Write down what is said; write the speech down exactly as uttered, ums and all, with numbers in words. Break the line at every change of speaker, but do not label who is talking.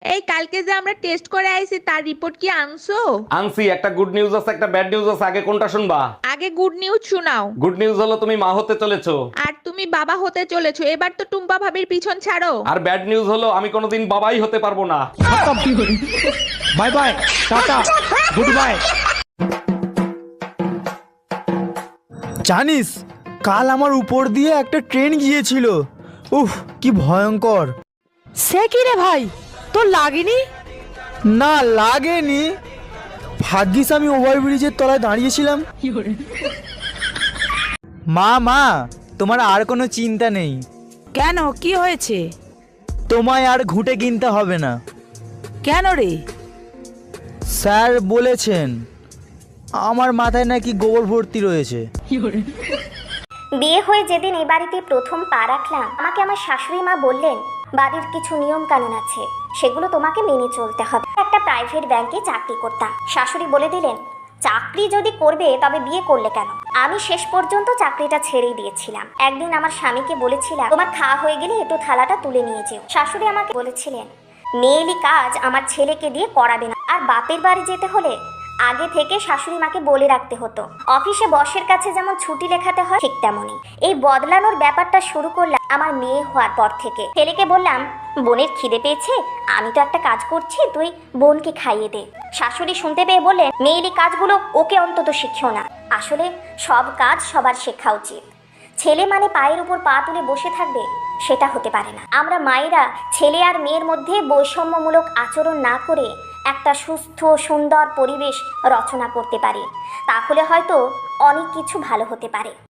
এই কালকে যে আমরা টেস্ট করে আইছি তার রিপোর্ট কি আনছো?
আনছি, একটা গুড নিউজ আছে একটা ব্যাড নিউজ আছে, আগে কোনটা শুনবা?
আগে গুড নিউজ শোনাও।
গুড নিউজ হলো তুমি মা হতে চলেছো।
আর তুমি বাবা হতে চলেছো, এবার তো টুম্পা ভাবির পিছন ছাড়ো।
আর ব্যাড নিউজ হলো আমি কোনোদিন বাবাই হতে পারবো না।
Bye bye, tata, good bye. জানিস কাল আমার উপর দিয়ে একটা ট্রেন গিয়েছিল। উফ কি ভয়ঙ্কর।
সে কি রে ভাই, তোর লাগেনি?
না লাগেনি, ভাগ্যিস আমি ওভারব্রিজের তলায় দাঁড়িয়েছিলাম। মা মা তোমার আর কোনো চিন্তা নেই।
কেন, কি হয়েছে?
তোমায় আর ঘুঁটে কিনতে হবে না।
কেন রে?
স্যার বলেছেন আমার মাথায় নাকি গোবর ভর্তি রয়েছে।
বিয়ে হয়ে যেদিন এই বাড়িতে প্রথম পা রাখলাম, আমাকে আমার শাশুড়ি মা বললেন বাড়ির কিছু নিয়ম কানুন আছে, সেগুলো তোমাকে মেনে চলতে হবে। একটা প্রাইভেট ব্যাংকে চাকরি করতাম। শাশুড়ি বলে দিলেন চাকরি যদি করবে তবে বিয়ে করলে কেন। আমি শেষ পর্যন্ত চাকরিটা ছেড়েই দিয়েছিলাম। একদিন আমার স্বামীকে বলেছিলাম তোমার খাওয়া হয়ে গেলে একটু থালাটা তুলে নিয়ে যেও। শাশুড়ি আমাকে বলেছিলেন মেয়েলি কাজ আমার ছেলেকে দিয়ে করাবে না। আর বাপের বাড়ি যেতে হলে আগে থেকে শাশুড়ি মাকে বলে রাখতে হতো। অফিসে বসের কাছে যেমন ছুটি লেখাতে হয় ঠিক তেমনই এই বদলানোর ব্যাপারটা শুরু করলাম আমার মেয়ে হওয়ার পর থেকে। ছেলেকে বললাম বোনের খিদে পেয়েছে, আমি তো একটা কাজ করছি, তুই বোনকে খাইয়ে দে। শাশুড়ি শুনতে পেয়ে বললেন মেয়েলি কাজগুলো ওকে অন্তত শিখিও না। আসলে সব কাজ সবার শেখা উচিত। ছেলে মানে পায়ের উপর পা তুলে বসে থাকবে, সেটা হতে পারে না। আমরা মায়েরা ছেলে আর মেয়ের মধ্যে বৈষম্যমূলক আচরণ না করে একটা সুস্থ সুন্দর পরিবেশ রচনা করতে পারি, তাহলে হয়তো অনেক কিছু ভালো হতে পারে।